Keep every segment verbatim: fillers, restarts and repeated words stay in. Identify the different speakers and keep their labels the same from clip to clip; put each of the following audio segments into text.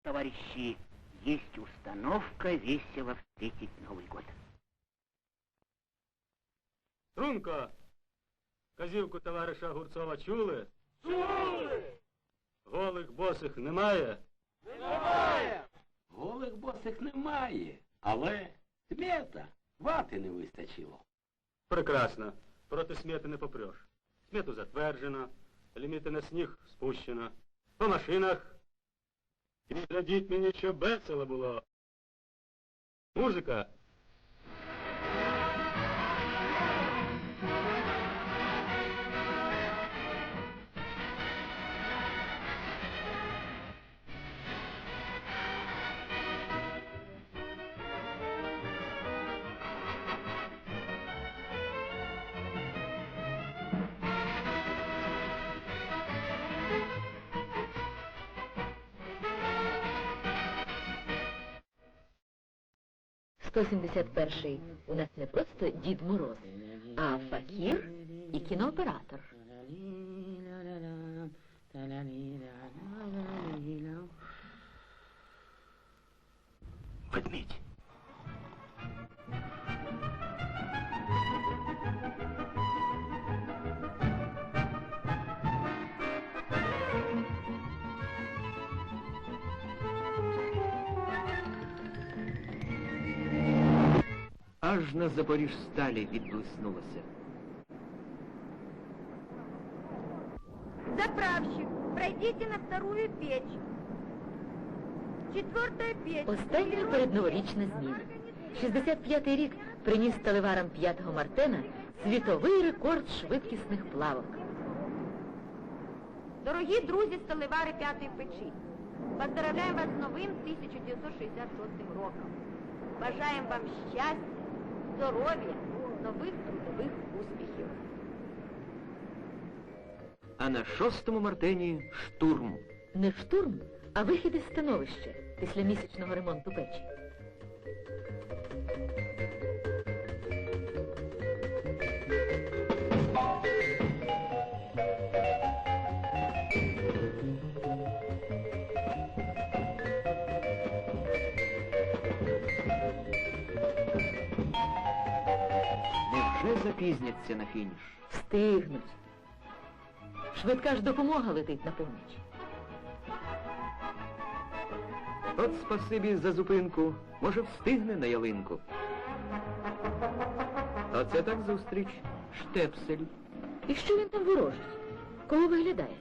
Speaker 1: Товарищи, есть установка весело встретить Новый год.
Speaker 2: Струнко! Казівку товариша Огурцова чули?
Speaker 3: Чули!
Speaker 2: Голих босих немає?
Speaker 3: Немає!
Speaker 4: Голих босих немає, але смета, вати не вистачило.
Speaker 2: Прекрасно. Проти смети не попреш. Смету затверджено, ліміти на сніг спущено. По машинах. І глядіть мені, щоб весело було. Музика.
Speaker 5: сто сімдесят перший у нас не просто Дід Мороз, а факір і кінооператор.
Speaker 4: Ведмідь.
Speaker 6: Аж на Запоріжсталі відблиснулося.
Speaker 7: Заправщик, пройдите на вторую печь. Четвертая печь.
Speaker 5: Остання передноворічна зміна. шістдесят п'ятий рік приніс сталеварам п'ятого Мартена світовий рекорд швидкісних плавок.
Speaker 7: Дорогі друзі сталевари п'ятої печі, поздравляємо вас з новим тисяча дев'ятсот шістдесят шостим роком. Бажаємо вам щастя, здоров'я, нових трудових успіхів.
Speaker 6: А на шостому Мартені штурм.
Speaker 5: Не штурм, а вихід із становища після місячного ремонту печі.
Speaker 6: Невже запізняться на фініш?
Speaker 5: Встигнуть. Швидка ж допомога летить на поміч.
Speaker 6: От спасибі за зупинку. Може, встигне на ялинку. Оце так зустріч. Штепсель.
Speaker 5: І що він там ворожить? Кого виглядає?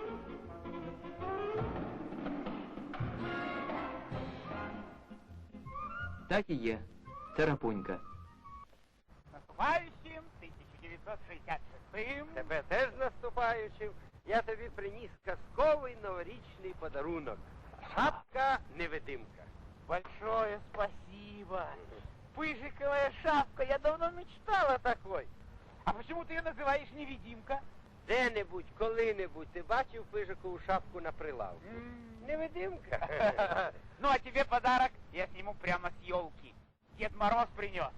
Speaker 6: Так і є. Тарапунька.
Speaker 8: Наступаючим тисяча дев'ятсот шістдесят шостим.
Speaker 3: Тебе теж наступаючим. Я тобі приніс казковий новорічний подарунок. Шапка-невидимка.
Speaker 8: Большое спасибо. Пыжиковая шапка. Я давно мечтал о такой. А почему ты ее называешь невидимка?
Speaker 3: Де-небудь, коли-небудь ти бачив пижикову шапку на прилавку?
Speaker 8: М.
Speaker 3: Невидимка.
Speaker 8: Ну, а тебе подарок я сниму прямо с елки. Дед Мороз принес.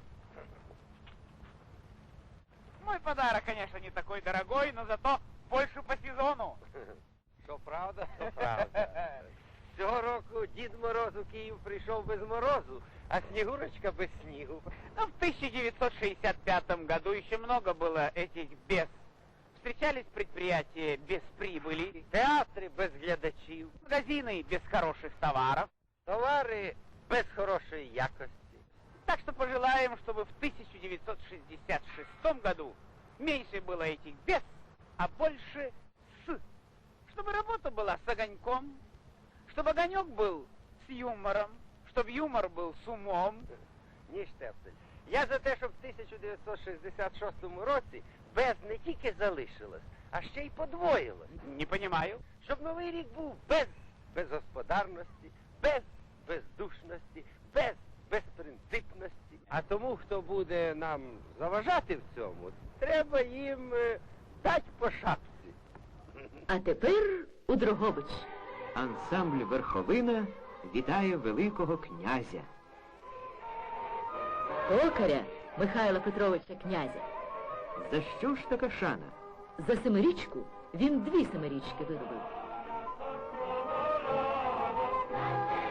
Speaker 8: Мой подарок, конечно, не такой дорогой, но зато больше по сезону.
Speaker 3: Що правда, то правда. Цього року Дід Мороз у Київ прийшов без морозу, а Снігурочка без снігу.
Speaker 8: Но в тысяча девятьсот шестьдесят пятом году еще много было этих без. Встречались предприятия без прибыли,
Speaker 3: Театри без глядачів,
Speaker 8: магазины без хороших товаров.
Speaker 3: товари без хорошої якості.
Speaker 8: Так что пожелаем, чтобы в тысяча девятьсот шестьдесят шестом году меньше было этих без, а больше с. Чтобы работа была с огоньком, чтобы огонек был с юмором, чтобы юмор был с умом.
Speaker 3: Ні, Штепсель. Я за те, щоб в тисяча дев'ятсот шістдесят шостому році без не тільки залишилось, а ще й подвоїлось.
Speaker 8: Не понимаю.
Speaker 3: Щоб новий рік був без безгосподарності, без бездушності, без безпринципності. А тому, хто буде нам заважати в цьому, треба їм е, дать по шапці.
Speaker 5: А тепер у Дрогобич.
Speaker 6: Ансамбль «Верховина» вітає великого князя.
Speaker 5: Токаря Михайла Петровича Князя.
Speaker 6: За що ж така шана?
Speaker 5: За семирічку він дві семирічки виробив.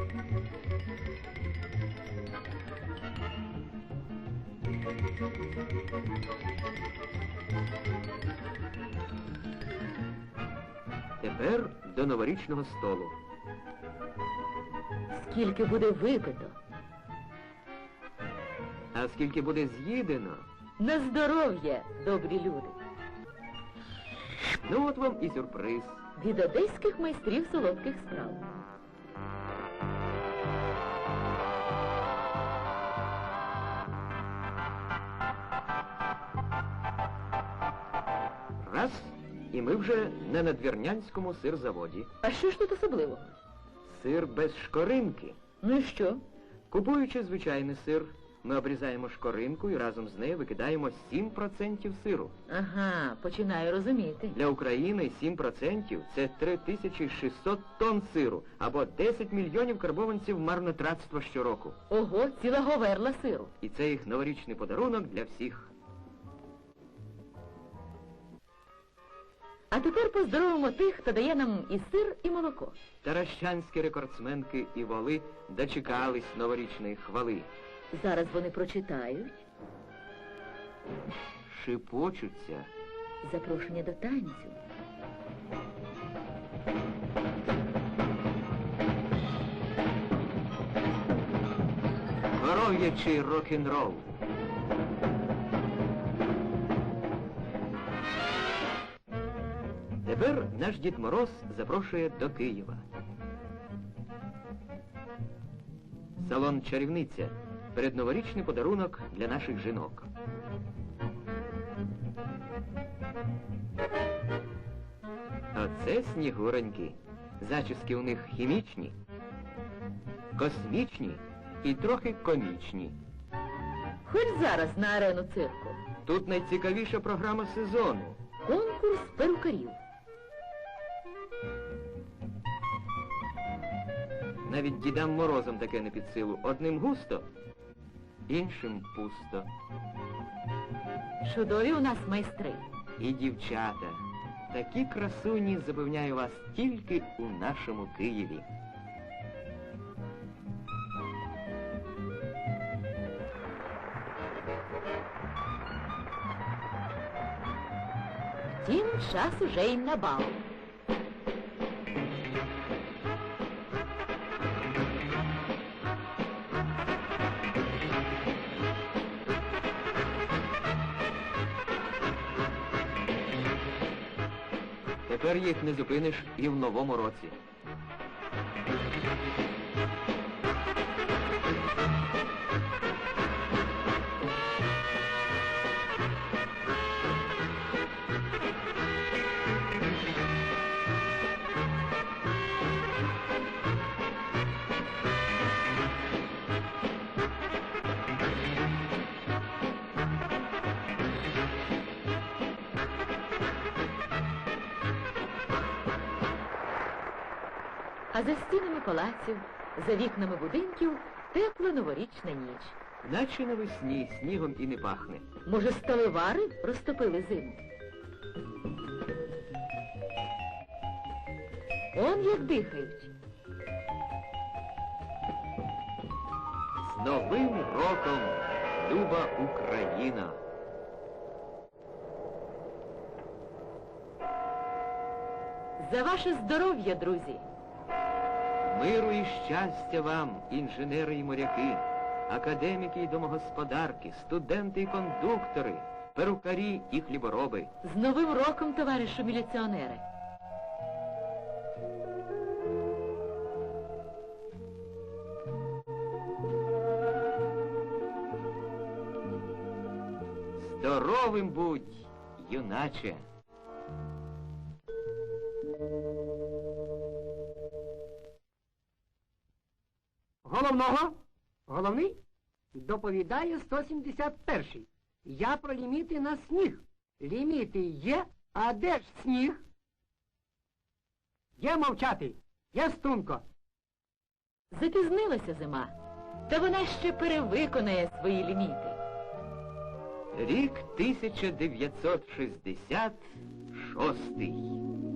Speaker 6: Тепер до новорічного столу.
Speaker 5: Скільки буде випито?
Speaker 6: А скільки буде з'їдено?
Speaker 5: На здоров'я, добрі люди.
Speaker 6: Ну от вам і сюрприз.
Speaker 5: Від одеських майстрів солодких страв.
Speaker 6: Раз, і ми вже на надвірнянському сирзаводі.
Speaker 5: А що ж тут особливого?
Speaker 6: Сир без шкоринки.
Speaker 5: Ну і що?
Speaker 6: Купуючи звичайний сир, ми обрізаємо шкоринку і разом з нею викидаємо сім процентів сиру.
Speaker 5: Ага, починаю розуміти.
Speaker 6: Для України сім процентів – це три тисячі шістсот тонн сиру, або десять мільйонів карбованців марнотратства щороку.
Speaker 5: Ого, ціла говерла сиру.
Speaker 6: І це їх новорічний подарунок для всіх.
Speaker 5: А тепер поздоровимо тих, хто дає нам і сир, і молоко.
Speaker 6: Таращанські рекордсменки і воли дочекались новорічної хвали.
Speaker 5: Зараз вони прочитають
Speaker 6: Шипочуться.
Speaker 5: запрошення до танцю.
Speaker 6: Коров'ячий рок-н-рол. Тепер наш Дід Мороз запрошує до Києва. Салон «Чарівниця» – передноворічний подарунок для наших жінок. Оце снігуроньки. Зачіски у них хімічні, космічні і трохи комічні.
Speaker 5: Хоч зараз на арену цирку.
Speaker 6: Тут найцікавіша програма сезону.
Speaker 5: Конкурс перукарів.
Speaker 6: Навіть Дідам Морозом таке не під силу. Одним густо, іншим пусто.
Speaker 5: Чудові у нас майстри.
Speaker 6: І дівчата. Такі красуні, запевняю вас, тільки у нашому Києві.
Speaker 5: Втім, час уже й на бал.
Speaker 6: Тепер їх не зупиниш і в новому році.
Speaker 5: А за стінами палаців, за вікнами будинків тепла новорічна ніч.
Speaker 6: Наче навесні снігом і не пахне.
Speaker 5: Може, сталевари розтопили зиму? Он як дихають.
Speaker 6: З Новим роком, люба Україна!
Speaker 5: За ваше здоров'я, друзі!
Speaker 6: Миру і щастя вам, інженери і моряки, академіки і домогосподарки, студенти і кондуктори, перукарі і хлібороби.
Speaker 5: З Новим роком, товаришу міліціонери!
Speaker 6: Здоровим будь, юначе!
Speaker 9: Головного? Головний? Доповідає сто сімдесят перший. Я про ліміти на сніг. Ліміти є, а де ж сніг? Є мовчати, є струнко.
Speaker 5: Запізнилася зима, та вона ще перевиконає свої ліміти.
Speaker 6: Рік тисяча дев'ятсот шістдесят шостий.